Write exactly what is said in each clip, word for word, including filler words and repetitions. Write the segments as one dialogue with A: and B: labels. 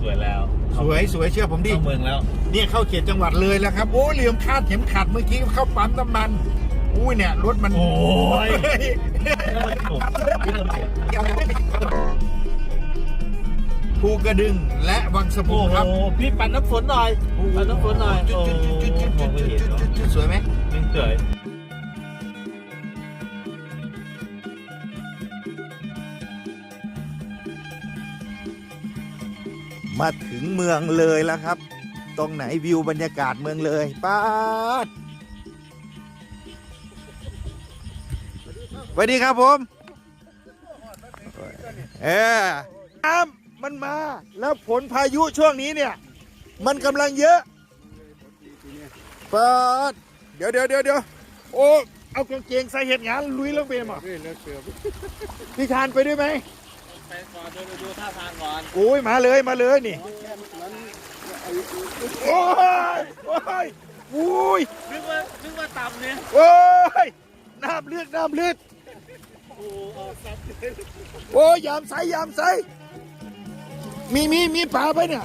A: วยแล้ว
B: สวยสวยเชื่อผมดิ
A: เข้าเมืองแล้ว
B: เนี่ยเข้าเขตจังหวัดเลยแล้วครับโอ้เหลี่ยมคาดเข็มขัดเมื่อกี้เข้าปั๊มน้ำมันอุ้ยเนี่ยรถมัน
A: โอ้ย
B: ภูกระดึงและวังสะพุ
A: โอ้
B: งครับ
A: โหพี่ปั่นน้ำฝนหน่อยปั่นน้ำฝนหน่อย
B: จุดจุดจุดจุดจุด
A: มองไม่เห็นเนาะ
B: จุดสวยไหม
A: ไม่สวย
B: มาถึงเมืองเลยแล้วครับ ตรงไหนวิวบรรยากาศเมืองเลยป้าดสวัสดีครับผมเออน้ำมันมาแล้วผลพายุช่วงนี้เนี่ย มันกำลังเยอะป้าดเดี๋ยวเดี๋ยวเดี๋ยวเดี๋ยวโอ้เอากางเกงใส่เห็ดงานลุยลงไปมั้งพี่ชานไปด้วยไหม
A: ไปก่อนดูดูท่าทางก่อน
B: โอ้ยมาเลยมาเลยนี่โอ้ยโอ้ยโอ้ย
A: นึกว่านึกว่าต่ำเนี่ย
B: โอ้ยน้ำเลือดน้ำเลือด
A: โอ้ออกซับเลย
B: โอ้ยยามใสยามใสมีมีมีปลาไปเนี่ย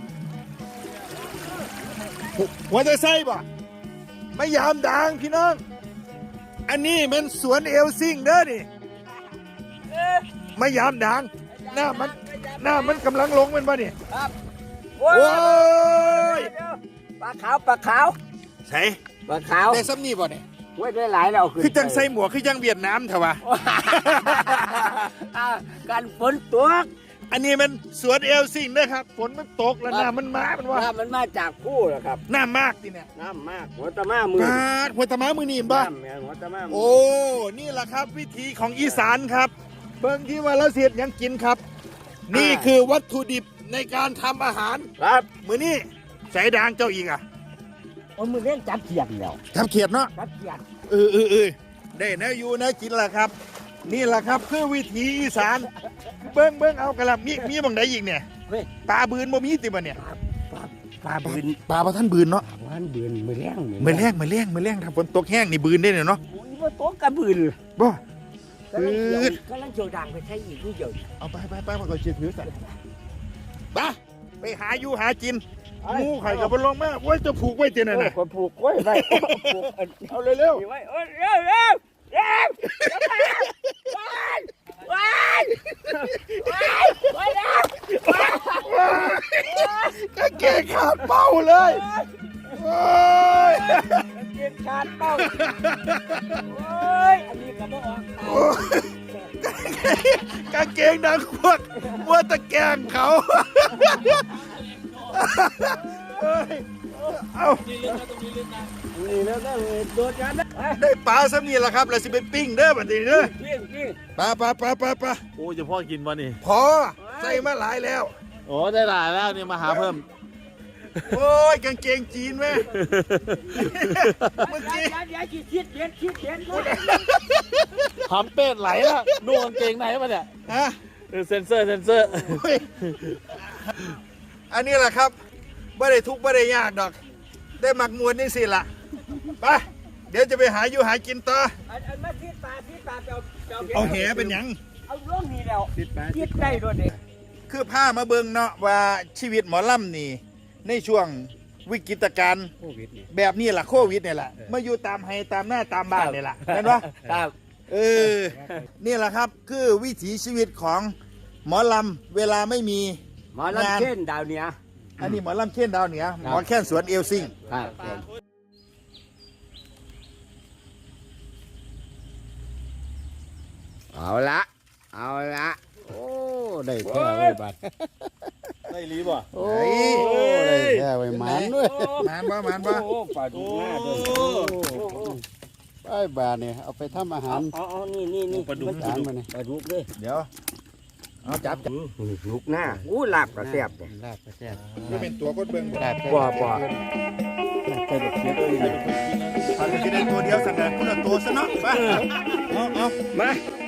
B: หัวใจไส้ป่ะไม่ยามด่างพี่น้องอันนี้เป็นสวนเอลซิงเด้อนี่ไม่ยามด่างหน้ามันหน้ามันกำลังลงเป็นป่ะนี่
C: ครับ
B: โอ้ย
C: ปลาขาวปลาขาว
B: ใส่
C: ปลาขาว
B: ได้ซ้ำนี่ป่ะเนี่ย
C: ไว้ได้หลายแล้วเอาขึ้น
B: คือจังใส่หมวกคือจังเวียดนามเถอะวะ
C: อ่าการฝนตก
B: อันนี้มันสวนเอลซิงนะครับฝนมันตกแล้วน้ำมันมามันว่า
C: น้ำมันมาจากผู้เหรอครับ
B: น้ำมากทีเนี่ย
C: น้ำมากหัวตะมามือ
B: ปาดหัวตะม้ามือนี่บ้า
C: น้ำแม่หัวตะมามื
B: โอ้ นี่แหละครับวิธีของอีสานครับเบิ่งที่ว่าเราเสียดยังกินครับ นี่คือวัตถุดิบในการทำอาหาร
C: ครับ
B: มือนี่ใส่ด่างเจ้าอีกอ่ะ
C: โอ้มือเล่นจับเขียดแล้ว
B: ทำเขียดเนาะ
C: จับเขียด
B: เออเออเออได้นะอยู่นะกินละครับ นี่แหละครับคือวิถีอีสาน เบิ้งเบิ้งเอากระลำมีมีบางใดอีกเนี่ย
C: เว้ย
B: ปลาบืนบ่มีติบ่เนี่ย
C: ปลาปลาบืน
B: ปลาพระท่านบืนเนาะ
C: ปลาบืนมือแรง
B: มือแรงมือแรงมือแรงถ้าฝนตกแห้งนี่บืนได้เนี่ยเนาะ
C: โอ้ยว่าตกกระบืน
B: บ่
C: กำลังเกี่ยวกำลังเกี่ยวด่างไปใช้อีกนิดเดียว
B: เอาไปไปไปมาก่อนเชียร์ถือสัตว์ไปไปหาอยู่หากินงูไข่กับบอลลงมาโอ้ยจะผูกไว้เจนั่นน่ะ
C: คนผูกไว้ไว้ผูก
B: เอาเร็ว
C: ไว้เอ้ยเร็วเร็วเร็วว้ายว้ายว้ายว้ายแล้ว
B: ๆก็เกะขาดเป้าเลยโอ้ย
C: เก็บขาดเป้าโอ้ยอันนี้ก็บ่ออก
B: โอ้ยกางเกงดังพวกมัวตะแกงเขาเอ้ยเอา
A: นี่ลึกนะตรงนี้ลึกนะ
C: นี่แล้วก็โดดกันนะ
B: ได้ปลาซ้ำนี่แหละครับเราสิเป็นปิ้งเด้อบัดนี้เด้อ
C: เกี้ยงเกี้ยง
B: ปลาปลาปลาปลาปลา
A: โอ้จะพ่อกินวะนี่
B: พอใส่มาหลายแล้ว
A: โอ้ได้หลายแล้วเนี่ยมาหาเพิ่ม
B: โอ้ยกางเกงจีนแม่เมื่อกี้
C: อย่าอย่าคิดคิดเด็ดคิดเด็ด
A: หำเป็ดไหลแล้วนุ่งกางเกงไหนมาเนี่ย
B: ฮะ
A: เออเซนเซอร์เซนเซอร์
B: โอ้ยอันนี้แหละครับไม่ได้ทุกข์ไม่ได้ยากดอก ได้หมักมวลนี่สิล่ะไปเดี๋ยวจะไปหาอยู่หากินต่อ
C: อันอันมาคิดปลาคิดปลาเจ้าเจ้า
B: เอาแหเป็นหยัง
C: เอาล่องนี่แล้วคิดได้ด้วยเด็ก
B: คือผ้ามาเบิงเนาะว่าชีวิตหมอลำนี่ ในช่วงวิกฤตการณ์
C: โควิดนี่
B: แบบนี้แหละโควิดเนี่ยแหละมาอยู่ตามไฮตามหน้าตามบ้านเนี่ยแหละเห็นปะ
C: ครับ
B: เออ นี่แหละครับคือวิถีชีวิตของหมอลำเวลาไม่มี
C: หมอลำเช่นดาวเหนี้ย
B: อันนี้หมอลำเช่นดาวเหนือหมอแค่นสวนเอลซิง
C: ครับเอาละเอาละโอ้ได้แท้ไว้บัด
A: ได้รีบ่
C: โอ้ได้แท้ไว้หมันด้วย
B: มานบ่มานบ่
C: โอ้ปลาดุกหน้าด้วยไอ้บาเนี่ยเอาไปทำอาหารอ๋อนี่นี่นี่ปลาดุกปลาดุกปลาดุกเลย
B: เดี๋ยวเอาจับจับ
C: ดุกหน้าอู้ลาบกระแซบเลยลาบกระแซบ
B: นี่เป็นตัวกดเบิ้งบ่
C: ลาบบ่บ่ใส่ดอกเขียดเลย
B: เขาจะได้ตัวเดียวสั่งกันคนละตัวซะเนาะไปเอาเอา
C: มา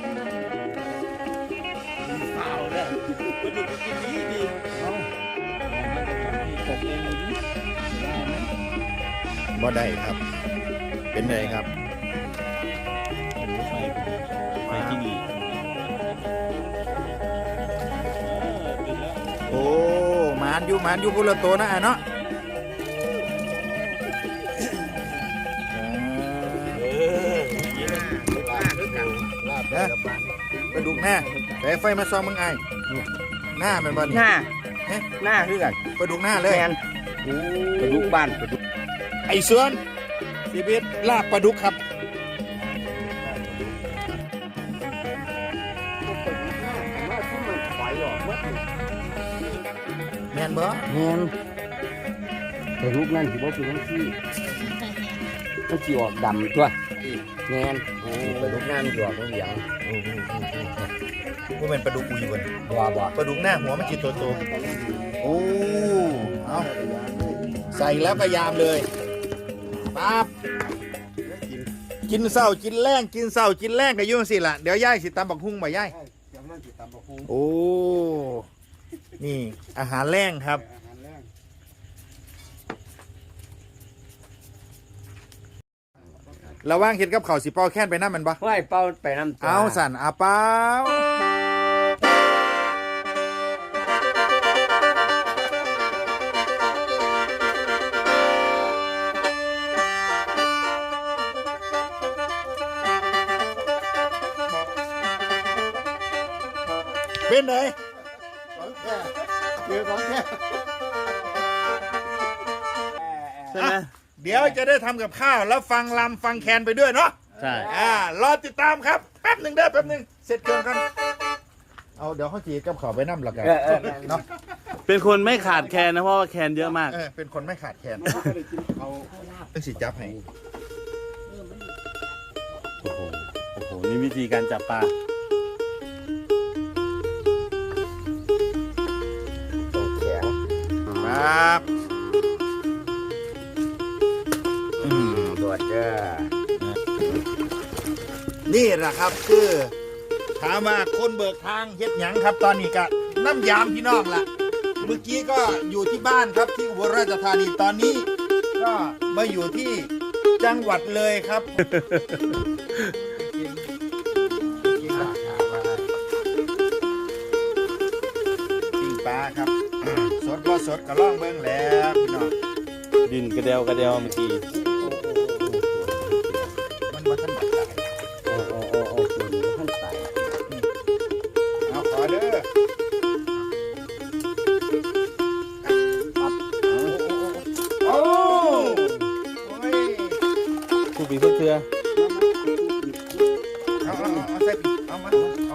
B: บ่ได้ครับ เป็นไงครับ
A: ไปที่นี่
B: โอ้หมานานอยู่หมานอยู่พุละโตนะไอ้เนาะนะไปดูหน้าแต่ไฟมาซองมึงไอ้หน้ามันบอล
C: หน้าหน้าคือกัน
B: ไปดูหน้าเลย
C: แมนปลาดุกบ้านปลาดุก
B: ไอ้เสือนชีวิตลาบปลาดุกครับแมนบ่
C: แมนปลาดุกนั่นที่บอกคือทั้งที่มันจีออกดำตัวแมนปลาดุกนั่นจีออกเหลือง
B: ว่าเป็นปลาดุกอุยบน
C: บัวบัว
B: ปลาดุกหน้าหัวมันจีตัวโตโอ้เอาใส่แล้วก็ยามเลยปั๊บกินเศร้ากินแรงกินเศร้ากินแรงก็ยุ่งสิล่ะเดี๋ยวย่ายสิตำบักหุ่งบ่ย่ายโอ้นี่อาหารแรงครับระว่างเห็ดกับข้าวสิเป้าแค้นไปน้ำมันปะ
C: ไหวเป้าไปน้ำ
B: เอาสั่นอาเป้าเป็นไง
C: คือของแท้
A: ใช่ไหม
B: เดี๋ยวจะได้ทำกับข้าวแล้วฟังลำฟังแคนไปด้วยเนาะ
A: ใช่
B: อ่ารอติดตามครับแป๊บหนึ่งเด้อแป๊บหนึ่งเสร็จเครื่องกันเอาเดี๋ยวเขาจีกับเขาไปน้ำละกันเนาะ
A: เป็นคนไม่ขาดแคลนนะเพราะว่าแคลนเยอะมาก
B: เออเป็นคนไม่ขาดแคลนเป็นสีจับให้
A: โอ้โหโอ้โหนี่วิธีการจับปลา
C: ตัวแข็ง
B: ครับอืม
C: ตัวเจ้า
B: นี่แหละครับคือถามว่าคนเบิกทางเฮ็ดหยังครับ ตอนนี้ก็น้ำยามพี่น้องล่ะเมื่อกี้ก็อยู่ที่บ้านครับที่อุบลราชธานีตอนนี้ ก็มาอยู่ที่จังหวัดเลยครับปิ้งปลาครับสดก็สดก็ล่องเบิ้งแล้วพี่น้อง
A: ดินกระเดวกระเดวเมื่อกี้
B: มันมาทันบัดใจ
C: โอ้โอ้โอ้โอ้ตัวนี้ท่านใส่
B: เอาขอเด้อโอ้โอ้ย
A: ทุกปีทุกเทือ
B: เอาเอาเอาใส่เอามาเอาเอา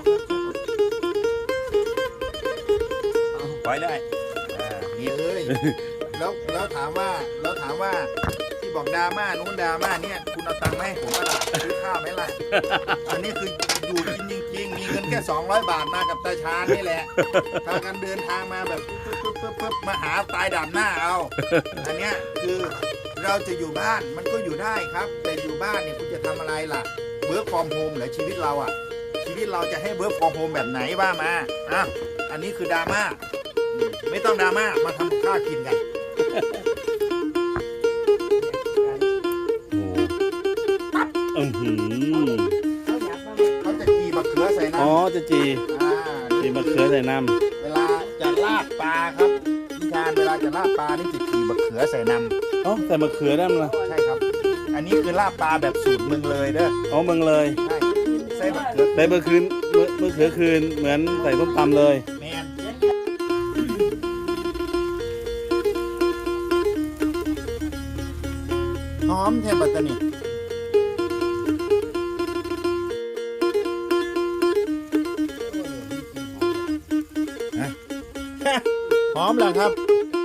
B: ปล่อยเลยอ่านี่เอ้ยแล้วแล้วถามว่าแล้วถามว่าที่บอกดราม่านู้นดราม่าเนี่ยคุณเอาตังค์มาให้ผมมาล่ะซื้อข้าวไหมล่ะอันนี้คืออยู่กินจริงๆมีเงินแค่สองร้อยบาทมากับตาชาญนี่แหละพากันเดินทางมาแบบปึ๊บปึ๊บปึ๊บปึ๊บมาหาตายดำหน้าเอาอันเนี้ยคือเราจะอยู่บ้านมันก็อยู่ได้ครับ แต่อยู่บ้านเนี่ยคุณจะทำอะไรล่ะเวิร์กฟอร์มโฮมเหรอชีวิตเราอ่ะชีวิตเราจะให้เวิร์กฟอร์มโฮมแบบไหนว่ามาอ่ะอันนี้คือดราม่าไม่ต้องดราม่ามาทำข้าวกินกัน
A: โอ้อือหือ
B: เขาจะกีมะเขือใส่น้ำ
A: อ๋อจะจี
B: อ่า
A: จีมะเขือใส่น้
B: เวลาจะลาดปลาครับพี่ชาญเวลาจะลาดปลานี่จะกีมะเขือใส่น้
A: ำอ๋อใส่มะเขือได้มั้ย
B: ำใช่ครับ อันนี้คือลาดปลาแบบสูตรเมืองเลยเด้อ
A: อ๋อเมืองเลย
B: ใช่ใส่มะเขือ
A: ใส่มะเขือมะเขือคืนเหมือนใส่ส้มตำเลย
B: แมนหอมแทบปัตตานีหอมเหรอครับ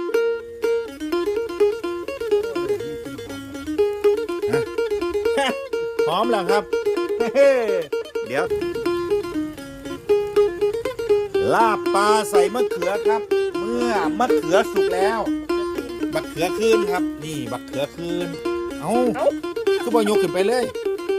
B: หอมเหรอครับ เดี๋ยวลาบปลาใส่มะเขือครับ เมื่อมะเขือสุกแล้วบักเขือคืนครับ นี่บักเขือคืนเอาคือบ่ยกขึ้นไปเลย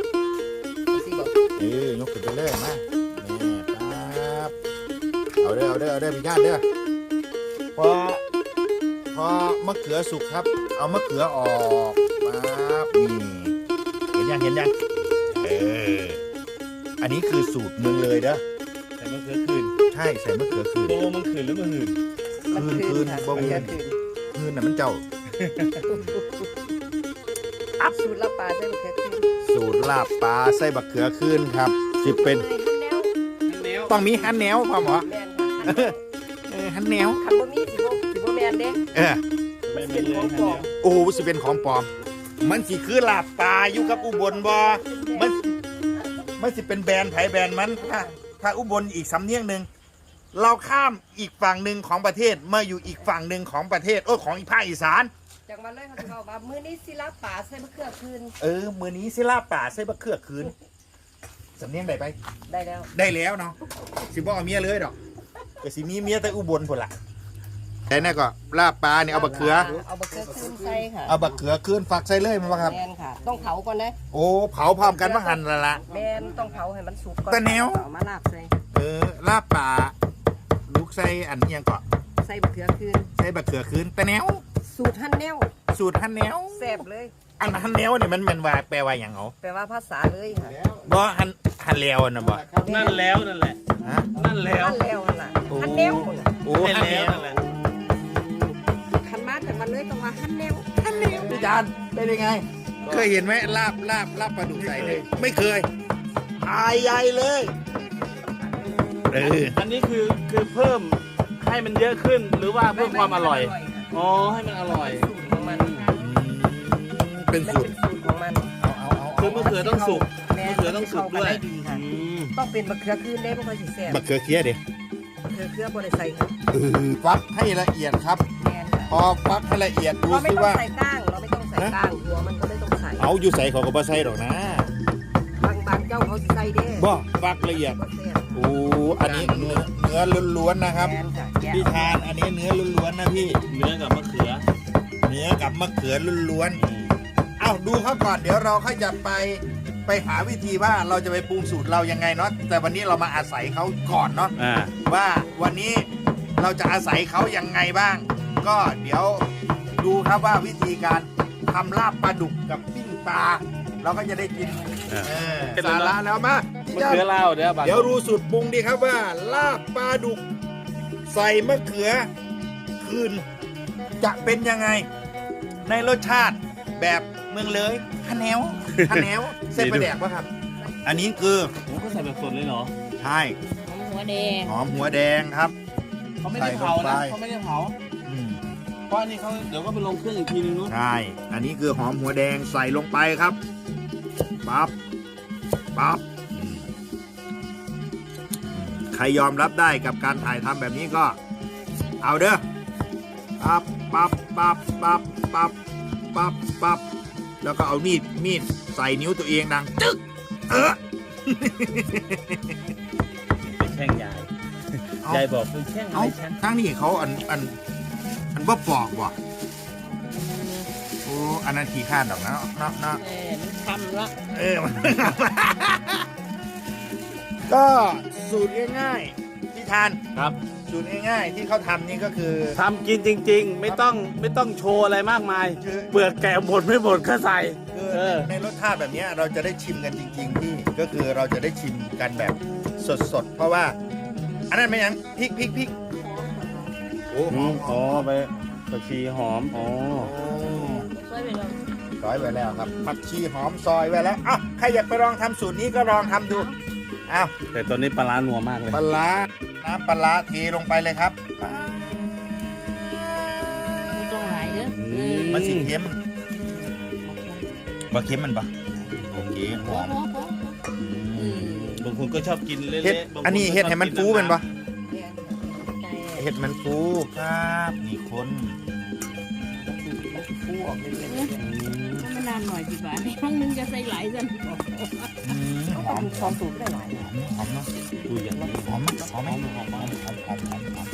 B: เออยกขึ้นไปเลยมานี่ปั๊บเอาเด้อเอาเด้อเอาเด้อพี่ญาติเด้อพอพอมะเขือสุกครับ เอามะเขือออกปั๊บนี่เห็นยังเห็นยังเอออันนี้คือสูตรเมืองเลยเด้อ
A: ใส่มะเขือคืน
B: ใช่ใส่มะเขือคืน
A: โตมันคืนหรือมะหืน
B: คืนคืน
D: ค่ะ
B: บ่
D: มะ
B: มี
D: เขือคืน
B: คืนน่ะมันเจ้า
D: สูตรลาบปลาใส่มะเขือคืน
B: สูตรลาบปลาใส่บักเขือคืนครับสิเป็น
D: แนว
B: ต้องมีฮันแนวพ่อหมอ
D: แม่นค่ะ
B: เออฮันแนว
D: คันบ่มีสิบ่สิบ่แม่นเด้
B: เออ
D: มันเป็นของปลอม
B: โอ้โหสิเป็นของปลอม มันสิคือลาบปลาอยู่กับอุบลบ่มันมันสิเป็นแบรนด์ไผแบรนด์มันถ้าถ้าอุบลอีกสำเนียงหนึ่งเราข้ามอีกฝั่งหนึ่งของประเทศมาอยู่อีกฝั่งหนึ่งของประเทศโอ้ของอีกภาคอีสาน
D: จังหวัดเลยเขาสิบอกว่ามื้อนี้สิลาบปลาใส่มะเขือคืน
B: เออมือนี้สิลาบป่าใส่บะเขือคืนสำเนียงได้ไป
D: ได้แล้ว
B: ได้แล้วเนาะสิบ่เอาเมียเลยดอกก็สิมีเมียแต่อุบลพุ่นล่ะแต่นั่นก็ลาบปลาเนี่ยเอาบะเขือ
D: เอาบะเขือคืนใส่ค่ะ
B: เอาบะเขือคืนฝักใส่เลยมันว่าครับ
D: แม่นค่ะ ต้องเผาก่อนนะ
B: โอ้เผาพร้อมกันมาหั่นละละ
D: แม่นต้องเผาให้มันสุกก่อน
B: แต่แนว
D: เอามาลาบใส่
B: เออลาบป่าลูกใส่อันเอียงก็
D: ใส่บะเขือคืน
B: ใส่บะเขือคืนแต่แนว
D: สูตรหั่นแนว
B: สูตรฮันแนว
D: แซ่บเลย
B: อันฮันแนวเนี่ยมันมันว่าแปลว่าอย่างเอา
D: แปลว่าภาษาเลยค่ะ
B: บ่ฮันฮันแล้วนะบ่
A: นั่นแล้วนั่นแหละ
B: ฮะ
A: นั่นแล้ว
D: หั่นแล้วหั่นล่ะหั่นแนวน่ะ
B: โอ้
A: ให้
B: ฮัน
A: แล้
B: แล้ว ว
A: นั่นแหละ
D: คันมากันมาเลยต้องว่าหั่นแนว
B: ฮันแล้วพี่จานเป็นยังไง เคยเห็นไหมลาบลาบลาบปลาดุกใส่เลยไม่เคยอายใหญ่เลยเออ
A: อันนี้คือคือเพิ่มให้มันเยอะขึ้นหรือว่าเพิ่มความอร่อย อ๋อ ให้มันอร่อย
D: สูตรของมัน
B: เป็น
D: มัน
B: สูต
D: เป็
B: ร
D: นสูตรของมัน
B: เอาเอาเอา
A: คือมะเขือต้องสุก
D: แม่
A: มะเขือต้องสุกด้วย
D: เข้ากันได้ดีค่ะ
A: อืม
D: ต้องเป็นมะเขือคืนได้บ่ค่อยสิแซ่บ
B: บักเขือเคี้ยดิ
D: มะเขือเขือบ่ได้ใส่ค่ะ
B: เออฟักให้ละเอียดครับ
D: แม่นค่ะ
B: พอฟักให้ละเอียดดู
D: เราไม่
B: สิ
D: ต้อง
B: ว่า
D: ใส่ก้างเราไม่ต้องใส่ก้างหัวมันก็ไม่ต้องใส่
B: เอาอยู่ใส่เขาก็บ่ใส่ดอกนะ
D: บางบางเจ้าเขาสิใส่เด้
B: บ่ฟักละเอียด
D: บ่แซ่บ
B: โอ้อันนี้เนื้อเนื้อล้วนๆนะครับ
D: แม่นค่ะแกะ
B: พี่ทานอันนี้เนื้อล้วนๆนะพี่
A: เนื้อกับมะเขือ
B: เนื้อกับมะเขือล้วน
A: อืม
B: ๆเอ้าดูเขาก่อนเดี๋ยวเราค่อยจะไปไปหาวิธีว่าเราจะไปปรุงสูตรเรายังไงเนาะแต่วันนี้เรามาอาศัยเขาก่อนเนาะ
A: อ่า
B: ว่าวันนี้เราจะอาศัยเขายังไงบ้าง ก็เดี๋ยวดูครับว่าวิธีการทำลาบปลาดุกกับปิ้งปลาเราก็จะได้กิน
A: อ่า
B: เออสาระแล้วมา
A: มะเขือเล่าเดี๋ยวบัง
B: เดี๋ยวรู้สูตรปรุงดีครับว่า ลาบปลาดุก ใส่มะเขือคืน จะเป็นยังไง ในรสชาติแบบเมืองเลยฮันแนวฮันแนวเส้นปลาแดกปะครับ อันนี้คือ
A: โอ้ก็ใส่แบบสดเลยเหรอ
B: ใช่
D: หัวแดง
B: หอมหัวแดงครับ
A: เขาไม่ได้เผานะ
B: ใส่ลงไป
A: เขาไม่ได้เผา
B: อืม
A: เพราะอันนี้เขาเดี๋ยวก็ไปลงเครื่องอีกทีนึงนู้น
B: ใช่ อันนี้คือหอมหัวแดงใส่ลงไปครับ ปั๊บ ปั๊บอืมใครยอมรับได้กับการถ่ายทำแบบนี้ก็ เอาเด้อ ปั๊บ ปั๊บ ปั๊บ ปั๊บ ปั๊บ ปั๊บ ปั๊บ แล้วก็เอามีด มีดใส่นิ้วตัวเองดัง จึ๊ก เออ
A: เป็นแช่งยาย
B: เอา
A: ยายบอกเป็นแช่งอะ
B: เอา
A: ไรแช่ง
B: ทั้งนี้เขาอัน อัน อันว่าปอกว่ะโอ้ อันนั้นขี้ข้านดอกนะเนาะเนาะ
D: เออมันทำละ
B: เออมัน ก็สูตรง่ายๆที่ทาน
A: ครับ
B: สูตรง่ายๆที่เขาทำนี่ก็คือ
A: ทำกินจริง ๆ ไม่ต้องไม่ต้องโชว์อะไรมากมาย
B: คือ
A: เปลือกแกะหมดไม่หมดก็ใส่
B: คือ
A: เออ
B: ในรสชาติแบบเนี้ยเราจะได้ชิมกันจริงๆพี่ก็คือเราจะได้ชิมกันแบบสดๆ เพราะว่า อันนั้นไม่ยังพริกพริกพริกโอ้หอม
A: อ๋อไปผักชีหอม อ๋อ
D: ช่วยไปลอง
B: ซอยไว้แล้วครับผักชีหอมซอยไว้แล้วอ่ะใครอยากไปลองทำสูตรนี้ก็ลองทำดูอ้าว
A: แต่ตอนนี้ปลาร้านัวมากเลย
B: ปลาร้าน้ำปลาร้าเทลงไปเลยครับ
D: ไม่ต้องหลายเด้อ
A: อืม
B: มันสีเค็มบะเค็มมันปะโอเคหอม
A: บางคนก็ชอบกินเละๆ
B: เห็ด
A: บางค
B: อันนี้เห็ดให้มันฟูเป็นปะ
D: ใจ
B: เห็ดมันฟูครับนี่คน
D: ฟูออกเลย
E: มันนานหน่อยดีกว่าในห้องนึงจะใส่หลายสัน
B: อืมหอม
D: ทำสูตรได้หลาย
B: หอมหอมเนาะ
A: ดูอย่างนี้
B: หอมหอมหอมหอมหอมหอมหอมหอมหอม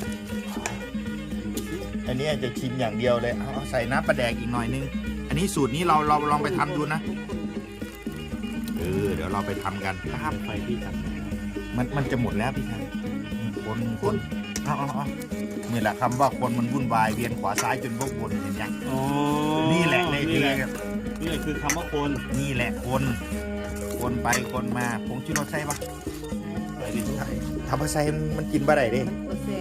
B: อันนี้จะชิมอย่างเดียวเลยเอาเอาใส่น้ำปลาแดกอีกหน่อยนึง อันนี้สูตรนี้เราเราลองไปทำดูนะเออเดี๋ยวเราไปทำกันครับ
A: ไฟที่ท
B: มันมันจะหมดแล้วพี่ชายคนคนเอาเอาเอานี่แหละคำว่าคนมันวุ่นวายเวียนขวาซ้ายจนพวกวนเห็นยัง
A: ำอ๋อ
B: นี่แหละใน
A: นี่
B: เพล
A: แหละ
B: งอะ
A: นี่แหละคือคำว่าคน
B: นี่แหละคน คนไปคนมาผงชูรสใส่ปะ
A: ใส่ดิ
B: ถ้าพอใส่มันกินบ่ได้เด้
D: มันแซ่บ
B: ธรรม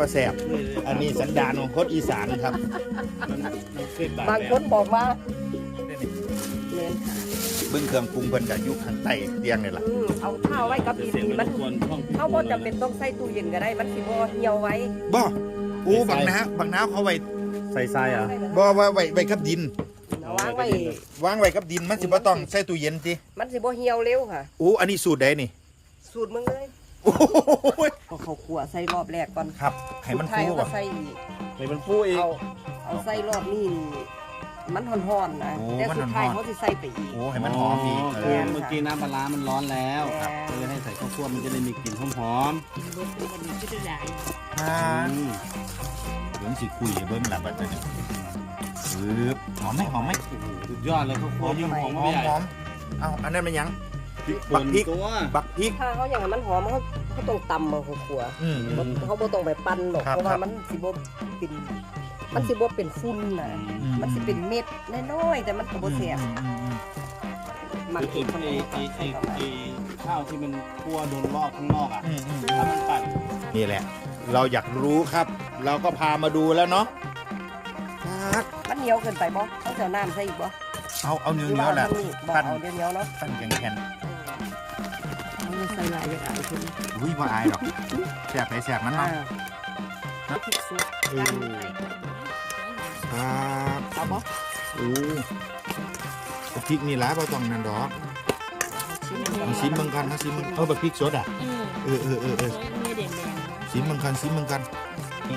B: ว่าแซ่บอันนี้สันดานของคนอีสานครับ
D: บางคนบอกว่าเน้น
B: เบื้องเครื่องปรุงเพิ่นก็อยู่ข้างใต้เตียงนี่แหละ
D: อืมเอาข้าวไว้กับดินนี่มันเขาบ่จำเป็นต้องใส่ตู้เย็นก็ได้มันสิบ่เหี่ยวไว้
B: บ่โอ้บางน้าบางน้าเขาไว้
A: ใส่ทรายอ่ะ
B: บ่ว่าไว้ไว้กับดิน
D: เอาวางไว้
B: วางไว้กับดินมันสิบ่ต้องใส่ตู้เย็นติ
D: มันสิบ่เหี่ยวเร็วค่ะ
B: โอ้อันนี้สูตรใดนี่
D: สูตรมึงเลย
B: โอ้ย
D: เอาข้าวคั่วใส่รอบแรกก่อน
B: ครับให้มัน
D: สุดท้าย
B: ฟู
D: เอา
B: บ่
D: มาใส่อีก
A: ให้มันฟูอีก
D: เอาเอาใส่รอบนี้นี่มันห่อนๆนะ
B: โอ้
D: แต่
B: มัน
D: สุดท้าย
B: ห่อนๆ
D: เขาสิใส่ไปอีก
B: โอ้ให้มันหอมอีกเอ
A: คือ
B: อ
A: เมื่อกี้น้ำปลาร้ามันร้อนแล้ว
D: ครับ
A: ก็เลยให้ใส่ข้าวคั่วมันจะได้มีกลิ่นหอม
E: กินรสมันก็จะได้
B: อ่า
A: ๆอืม
B: เบิ่งสิคุยเบิ่งล่ะบัดนี้ปึ๊บหอมไหมหอมไหม
A: สุดยอดเลยข้าวคั่วยิ่งหอม
B: ห
A: มา
B: อก ม
A: ใหญ่
B: หอมเอ้าอันนั้นมันหยัง
A: พริก
B: บั
A: ป่
B: ก
A: น
B: พริก
A: ตัว
B: บักพริก
D: ถ้าเขาอย่างนั้นมันหอมเขาเขาต้องตำมาข้าวคั่ว
B: อืม
A: อืม
D: เขาบ่ต้องไปปั้นหรอก
B: ครับ
D: เพราะว่า
B: ครับ
D: มันสิบ่เป็นมันสิบ่เป็นฝุ่นน่ะ
B: อืม
D: มันสิเป็นเม็ดน้อยๆแต่มันก็บ่แซ่บ
B: อืมอืมอืม
D: มัน
A: คือ
D: เผ็
A: ไอ้
D: ดคน
A: ไอ้ไอ้ไอ้ไอ้ข้าวที่มันคั่วโดนรอบข้างนอกอ่ะ
B: อืมอืม
A: ถ้ามันปั่น
B: นี่แหละ เราอยากรู้ครับ เราก็พามาดูแล้วเนาะครับ
D: มันเหนียวเกินไปบ่ต้องเอาน้ำใส่อีกบ่
B: เอาเอาเนื้อ
D: หรือ
B: เนื้
D: ว่า
B: อแหละ
D: เอาทำนี่บ่
B: ปั้น
D: เอาเดียวๆเนาะ
B: ปั้นแข็งแข็ง
E: เอาใส่หลายอย่างไรคุณ
B: อุ้ยว่าอายหรอกแสบไปแสบมัน
D: อ่า
B: เนาะ
E: พริกสด
B: เออครับ
D: เอาบ่
B: โอ้พริกนี่ละเราต้องนั่นดอกเอาซิมเบิ่งกันนะซิมเบิ่งเออแบบพริกสดอ่ะ
E: เออ
B: เออเออเออเออ
E: เนื้อแดง
B: ซิมเบิ่งกันซิมเบิ่งกันนี่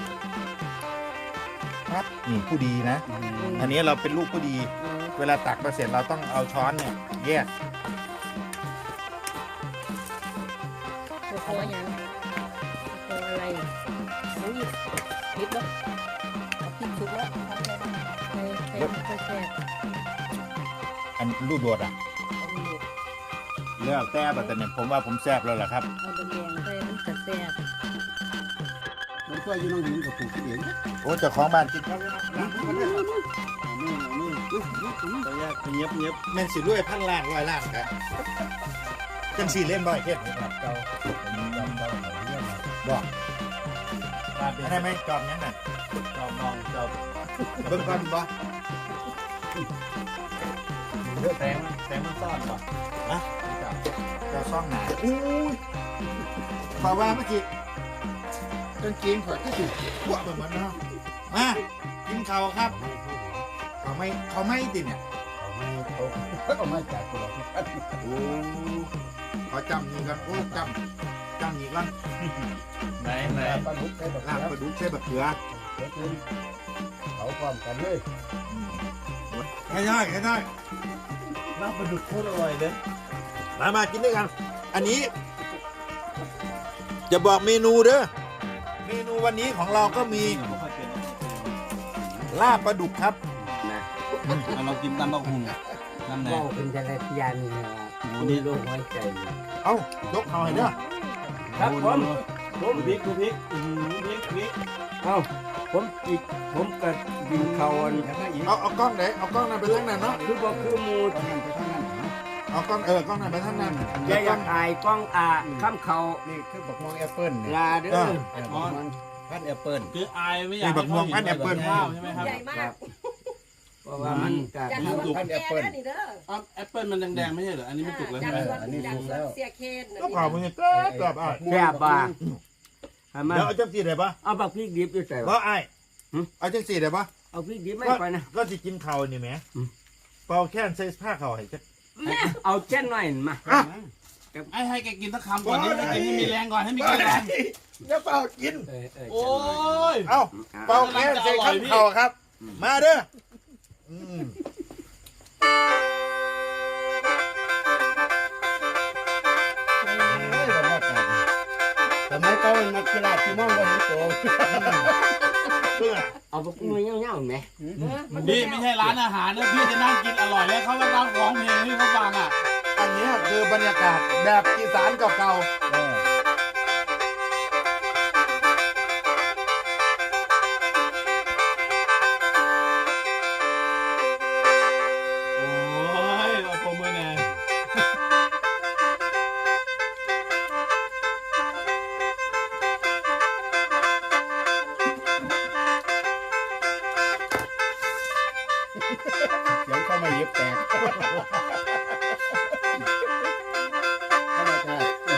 B: ครับนี่ผู้ดีนะ อันนี้เราเป็นลูกผู้ดี เวลาตักมาเสร็จเราต้องเอาช้อนเนี่ยแยก
E: ๆตัวคออย่างตัวอะไรน้ำหยิบพริกเนาะ
D: เอาพริกสุกแล้ว
E: ใส่ใส่ใส่แซ่บ
B: อันลูกโดดอ่ะเลือกแต่แบบแต่เนี่ยผมว่าผมแซ่บแล้วล่ะครับ
E: เอาแดงๆใส่มันจะแซ่บ
C: มันก็อยู่น้องหินกับปลูกเอง
B: โอ้เจ้าของบ้านกินข้าว
A: ตัวแยกเงียบเงียบ
B: แม่นสิรวยพันล้านร้อยล้านครับจังสี่เล่นบ่อยเฮ็ดบอก
A: ปลาเป็น
B: ได้ไหมจอบยังไง
A: จอบมองจอบ
B: เบิ่งก่อนบ่
A: แสงแสงมันซ่อนป่ะ
B: นะเจ้าซ่องหนาอุ้ยขอว่าเมื่อกี้กางเกงขอดที่สุดพวกแบบมันเนาะมากินข้าวครับเขาไม่เขาไม่ติเนี่ย
C: เอามาจากตัวเรา
B: โอ้ขอจำนี่กันโอ้จำจำนี่กัน
A: ไหนไหน
C: ปลาดุกใส่แบบ
B: ลาบปลาดุกใส่บักเขือ
C: เขาความกันเลย
B: ใช่ได้ใช่ได้
A: น้ำปลาดุกโคตรอร่อยเลย
B: มามากินด้วยกัน อันนี้ จะบอกเมนูเด้อเมนูวันนี้ของเราก็มีลาบปลาดุกครับ
A: เอาเรากินตำบักหุ่งน้ำแหน
C: ว่าวเป็นอะไรพยานนี่นะมีโรคหัวใจ
B: เอ้ายกเขาให้เด้อ
C: ครับผม
A: ผมพริกดูพริกอือพริกพริก
C: เอ้าผมอีกผมก็บินเขาอัน
B: เอาเอากล้องไหนเอากล้องนั้นไปทางนั้นเนาะ
C: คือบอกคือมูด
B: เอากล้องเออกล้องนั้นไปทางนั้น
C: อย่าอยากอายกล้องอาข้ามเขา
F: นี่คือบักม่วงแอปเปิ้ลเนี่ย
C: ลาเด้อ
F: เออบักม่วงพันธุ์แอปเปิ้ล
A: คืออายไม่อยากให้เขาเห็นแบบข้าวใช่ไหมครับ
D: ใหญ่มาก
C: เพราะว่ามันก็
D: จากสวนแก่นะนี่เด้อ
A: อ๋อแอปเปิ้ลมันแดงๆไม่ใช่เหรออันนี้มันสุกแล้ว
D: จาก
A: ใช่ไหม
D: สวนจากสวนเสียเคนน่ะ
B: ก็เผามึงเกิดแบบอ่ะ
C: แซ่บบ่าทำไม
B: เดี๋ยวเอาจังสีได้ปะ
C: เอาบักพริกดิบด้วยใส่
B: เพราะไอ้เอาจังสีได้ปะ
C: เอาพริกดิบไม่ไปนะ
B: ก็สิกินข้าวนี่แหมเป่าแค่นใส่ผ้าข้าวให้จัก
C: เอาเช่นหน่อยมา
B: อ่ะ
A: ไอ้ให้แกกินสักคำก่อนให้แกกินให้มีแรงก่อนให้มีแรง
B: อย่าเป่ากิน
C: เออเออ
A: โอ้ย
B: เอ้าเป่าแค่นใส่ข้าวข้าวครับ มาเด้ออืม
F: สมัยเก่านักกีฬาที่มองว่าเห็นโต
B: เพื่อ
C: เอาบักมือเงี้ยวๆไหม
A: นี่ไม่ใช่ร้านอาหารนะพี่จะนั่งกินอร่อยแล้วเขากำลังร้องเพลงให้เขาฟังอ่ะ
B: อันนี้คือบรรยากาศแบบอีสานเก่า
F: เออ
A: โอ้ยเอาปมมือแน่
F: เดี๋ยวเข้ามาเย็บแตกเข้ามาค่ะ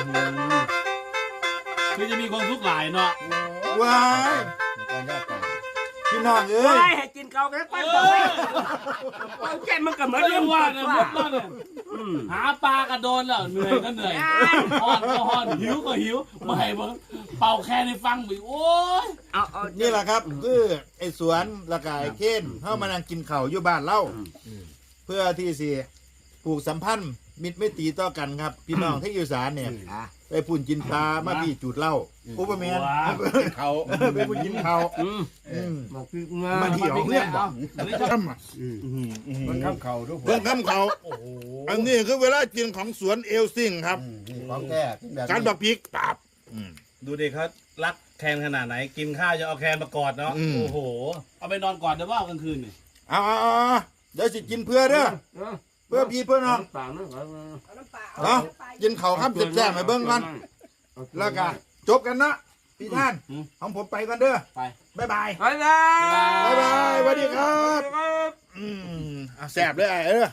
A: คือจะมีความทุกข์หลายเนาะ
B: ว้าย
F: ก่อนยอดแตก
B: พี่น้องเอ้
C: เฮ้
B: ย
C: ยให้กินเกาแค่ปั้นต่อไปเอาแค่มันก็เหมือน
A: ไม่
C: เรื่
A: ได้
C: อง
A: ว่า
C: ว่า
A: เนี่ย
C: เนี่ย
A: มุดแล้วเนี่ยหาปลากระโดนแล้วเหนื่อยก็เหนื่อยหอนก็หอนหิวก็หิวไม่ให้เบิ่งเป่าแค่ในฟังไปโอ้ย
C: เอาเอา
B: นี่แหละครับคือไอ้สวนละกายเค้นเข้ามานั่งกินข้าวอยู่บ้านเล่าเพื่อที่สิผูกสัมพันธ์มิตรไม่ตรีต่อกันครับ พี่น้องที่อยู่สารเนี่ย
F: อ่ะ
B: ไปปุ่นกินปลามาพี่จุดเหล้าอุปเมน
F: เขา
B: ไปปุ่นกินข้าว
C: อืม
B: อืม
C: บอกพี่เงา
B: มาเที่ยวเพื่อนบอก
A: อันนี้ชอบ
F: มันข้ามเขาทุกคน
B: เพื่อนคำเขาอันนี้คือเวลากินของสวนเอลซิงครับ
F: อืมนี่ของแท้แบบ
B: การบักพริกปราบ
A: ดูดิเขารักแคนขนาดไหน กินข้าวจะเอาแคนมากอดเนาะ
B: อืม
A: โอ้โห เอาไปนอนกอดเดี๋ยวว่ากลางคืนนี่
B: เอาเอาเอาเอาเดี๋ยวสิกินเพื่อเด้อเพื่อพี่เพื่อน้อง
C: ปากนะ
D: เอาน้ำปลา
B: เนาะกินข้าวครับเจ็บแซ่บๆให้เบิ่งกันแล้วก็จบกันนะพี่ท่านของผมไปกันเด้อ
A: ไป
B: บ๊ายบาย
C: ไปเลย
B: บ๊ายบายสวัสดีครับอืมเอาแซ่บเลยไอ้เออ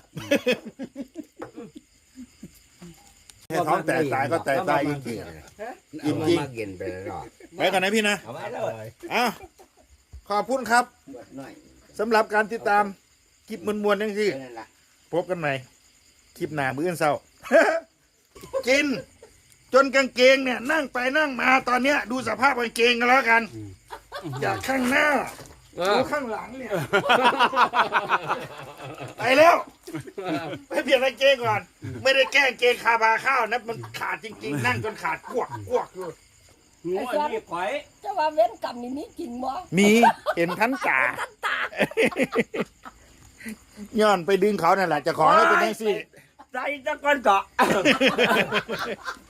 B: ให้ท้องแตกตายก็แตกตายจริงๆจริง
C: มาเย็นไปแล้ว
B: ๆไปกันนะพี่นะ
C: เอาไว้เลย
B: อ้าวขอบคุณครับ
C: หน่อย
B: สำหรับการติดตามคลิปมวลๆทั้งที่
C: นั่นแหละ
B: พบกันใหม่คลิปหน้ามื้ออนเศร้า กิน จนกางเกงเนี่ย นั่งไปนั่งมาตอนเนี้ย ดูสภาพกางเกงกันแล้วกันจากข้างหน้าดูข้างหลังเนี่ย ไปแล้วไปเปลี่ยนกางเกงก่อน ไม่ได้แกล้งเกงคาบาข้าวนะมันขาดจริงๆ นั่งจนขาดกวกกวกอยู่
C: งูอันนี้ข่อย
E: จะว่าเว้นกรรมนี่มีจริงบ่
B: มีเห็นทันตาย้อนไปดึงเขานั่นแหละเจะของให้เป็นแท็กซี่
C: ใจจะก้อนเกาะ